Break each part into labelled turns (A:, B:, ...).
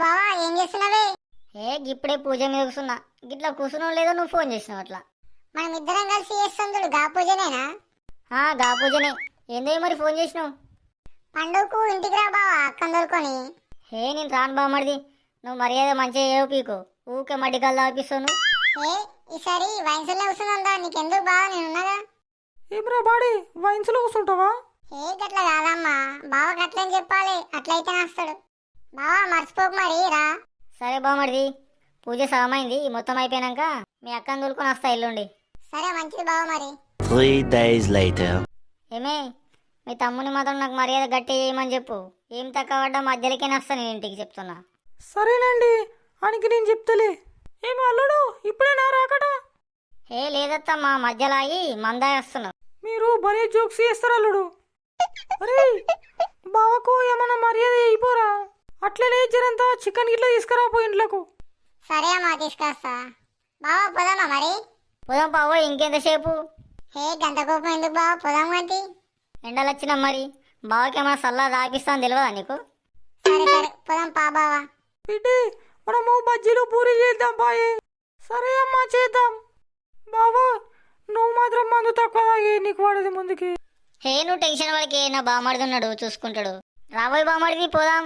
A: బావా ఏం చేస్తున్నావే?
B: ఇప్పుడే పూజ మీద కూర్చున్నా. గిట్లా కూర్చున్నావు లేదో నువ్వు ఫోన్ చేసినావు అట్లా.
A: మనం ఇద్దరం కలిసి చేస్తాం చూడు, గా పూజనేనా?
B: గా పూజనే. ఏందో మరి ఫోన్ చేసినావు?
A: పండుగకు ఇంటికి రా బావా, అక్కని దొరుకొని.
B: నేను రాను బామ్మడిది. నువ్వు మర్యాద మంచిగా ఏవో పీకో. ఊకే మడ్డికల్లా ఆపిస్తావు నువ్వు.
A: ఈసారి వైన్స్లో కూర్చుందా, నీకెందుకు బావా, నేనున్నాగా.
C: ఏమ్రా బాడీ, వైన్స్లో కూర్చుంటావా?
A: గట్ల కాదమ్మా, బావ గట్లని చెప్పాలి, అట్లయితే వస్తాడు. బావా మర్చిపోకు మరి రా.
B: సరే బామ్మడిది, పూజ సమమైంది. మొత్తం అయిపోయాక మీ అక్కని తోలుకొని వస్తా ఎల్లుండి.
A: సరే మంచిది బావ. మరి
D: 3 days later.
B: ఏమే, మీ తమ్ముని మాత్రం నాకు మర్యాద గట్టి చేయమని చెప్పు. ఏం తక్కువ పడ్డా మధ్యలోకే వస్తా నేను ఇంటికి, చెప్తున్నా.
C: సరేనండి, ఆయనకి నేను చెప్తలే. ఏమి అల్లుడు, ఇప్పుడే నా రాకట?
B: లేదత్తమ్మా, మధ్యలో ఆగి మందా వస్తున్నావు.
C: మీరు భలే జోక్స్ చేస్తారు అల్లుడు. అరే బావకు ఏమన్నా మర్యాద అయిపోరా. అట్లనే జరంతా చికెన్ గిట్లా తీసుకురాపో ఇంట్లోకు.
A: సరే అమ్మా, తీసుకొస్తా. బావా పోదామా మరి?
B: పోదాం పావో, ఇంకెంతసేపు?
A: గంట కోపం ఎందుకు బావా, పోదాం గంటి.
B: ఎండలు వచ్చినా మరి బావకి ఏమైనా సల్లా తాగిస్తాను తెలియదా నీకు?
A: సరే సరే పోదాం పా బావా.
C: బిడ్డే, మనము బజ్జీలు పూరి చేద్దాం పాయే. సరే అమ్మా, చేద్దాం. బావా నువ్వు మాత్రం మందు తక్కువ తాగి, నీకు వాడేది ముందుకి.
B: నువ్వు టెన్షన్ వాడికి, నా బామ్మడిది ఉన్నాడు చూసుకుంటాడు. రాబోయ్ బామ్మడిది, పోదాం.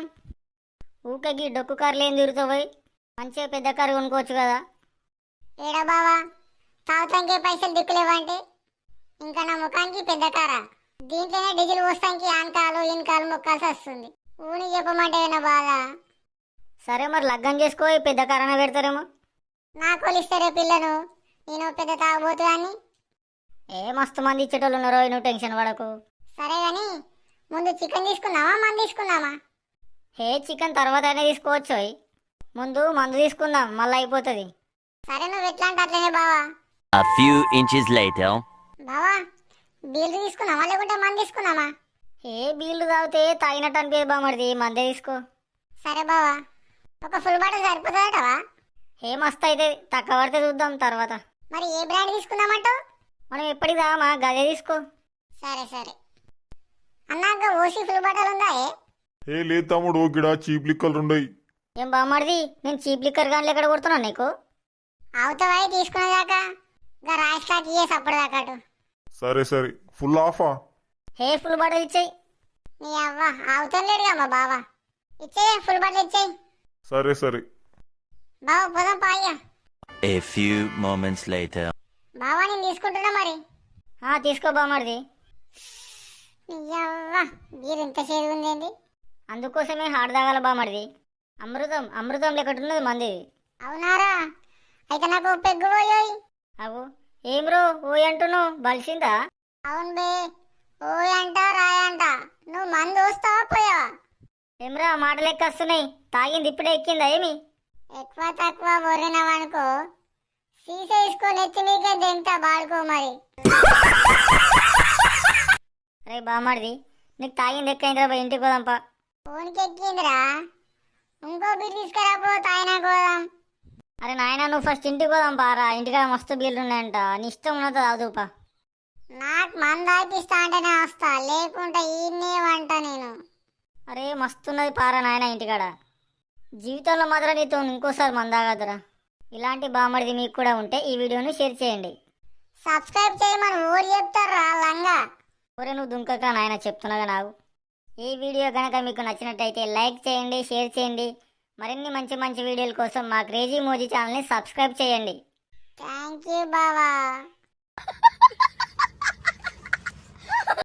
B: ఊకకి డొక్కు కార్లు ఏం తిరుగుతావు? మంచిగా పెద్ద కారు కొనుక్కోవచ్చు కదా.
A: ఏడా బావా, తాగుతానికి పైసలు దిక్కులేవంటే ఇంకా నా ముఖానికి పెద్ద కారా? దీంట్లోనే డీజిల్ పోస్తానికి ఆనకాలు ఇన్కాలు మొక్కాల్సి వస్తుంది. ఊని చెప్పమంటే నా బాధ.
B: సరే మరి లగ్గం చేసుకో, పెద్ద కారణ పెడతారేమో.
A: నా కొలిస్తారే పిల్లను, నేను పెద్ద తాగబోతున్నా.
B: మస్తు మంది ఇచ్చేటోళ్ళు ఉన్నారో, నువ్వు టెన్షన్ పడకు.
A: సరే గాని ముందు చికెన్ తీసుకుందామా మంది తీసుకుందామా?
B: చికెన్ తర్వాత అయినా తీసుకోవచ్చు. ముందు మందు తీసుకుందాం, మళ్ళీ అయిపోతుంది.
A: సరే నువ్వు ఎట్లా అంటే అట్లనే బావా.
D: A few inches later.
A: బావా బీర్లు తీసుకున్నావా లేకుంటే మంది తీసుకున్నామా?
B: బీళ్లు తాగితే తాగినట్టు అనిపించదు బామ్మడిది, మందే తీసుకో.
A: సరే బావా, ఒక ఫుల్ బాటిల్ సరిపోతుందటవా?
B: మస్తు అయితే, తక్కువ పడితే చూద్దాం తర్వాత.
A: మరి ఏ బ్రాండ్ తీసుకుందామంటావు?
B: మనం ఎప్పటికి తామా, గదే తీసుకో.
A: సరే సరే అన్నాక ఓసి ఫుల్ బాటిల్ ఉందా?
E: లేదు తమ్ముడు, గిడ చీప్ లిక్కలు ఉండయి.
B: ఏం బామ్మడిది, నేను చీప్ లిక్కర్ గాన్లు ఎక్కడ కొడుతున్నా నీకు?
A: అవుతావా తీసుకునేదాకా? ఇంకా రాయి స్టాక్ ఇయ్యేసి అప్పటిదాకా.
E: సరే సరే, ఫుల్ ఆఫా?
B: ఫుల్ బాటిల్ ఇచ్చేయి.
A: నీ అవ్వ అవుతాం లేడుగా మా బావా, ఇచ్చేయి ఫుల్ బాటిల్ ఇచ్చేయి.
E: సరే సరే
A: బావా పోదాం పాయ్యా.
D: A few moments later.
A: బావా నేను తీసుకుంటున్నా మరి.
B: తీసుకో బామ్మడిది.
A: నీ అవ్వ బీర్ ఇంత చేదు ఉందేంటి?
B: అందుకోసమే హాడ్ తాగాల బామ్మడిది. అమృతం అమృతం లెక్కటున్నది మంది.
A: అవునారా? అయితే నాకు పెగ్గు పోయోయ్.
B: అవు ఏం రో ఓయ్ అంటున్నావు, బలిసిందా?
A: అవును బే, ఓయ్ అంట రాయ్ అంట. నువ్వు మందు వస్తావా పోయావా?
B: ఏమ్రా మాట లెక్క వస్తున్నాయి. తాగింది ఇప్పుడే ఎక్కిందా ఏమి?
A: ఎక్కువ తక్కువ బొర్రినవనుకో సీసా వేసుకొని ఎత్తి మీకే దెంతా బాడుకో మరి.
B: అరే బామ్మడిది, నీకు తాగింది ఎక్కైందిరా, బా ఇంటికి పోదాంపా.
A: ఫోన్కి ఎక్కిందిరా, ఇంకో బీర్ తీసుకురాపో తాయినా పోదాం.
B: అరే నాయన, నువ్వు ఫస్ట్ ఇంటికి పోదాం పారా. ఇంటికాడ మస్తు బీర్లు ఉన్నాయంట, నీ ఇష్టం ఉన్నది తాగుపా.
A: నాకు మందు ఆపిస్తా అంటేనే వస్తా, లేకుంటే ఈయన్నే వంట నేను.
B: అరే మస్తున్నది పారా నాయన ఇంటికాడ. జీవితంలో మాత్రం నీతో ఇంకోసారి మందాగదురా. ఇలాంటి బామ్మడిది మీకు కూడా ఉంటే ఈ వీడియోని షేర్ చేయండి.
A: సబ్స్క్రైబ్ చేయమని ఊరు చెప్తారా లంగా?
B: ఒరే నువ్వు దుంకక నాయన, చెప్తున్నాగా నాకు. ఈ వీడియో కనుక మీకు నచ్చినట్టయితే లైక్ చేయండి, షేర్ చేయండి. మరిన్ని మంచి మంచి వీడియోల కోసం మా క్రేజీ మోజీ ఛానల్ని సబ్స్క్రైబ్ చేయండి.
A: థ్యాంక్ యూ బావా.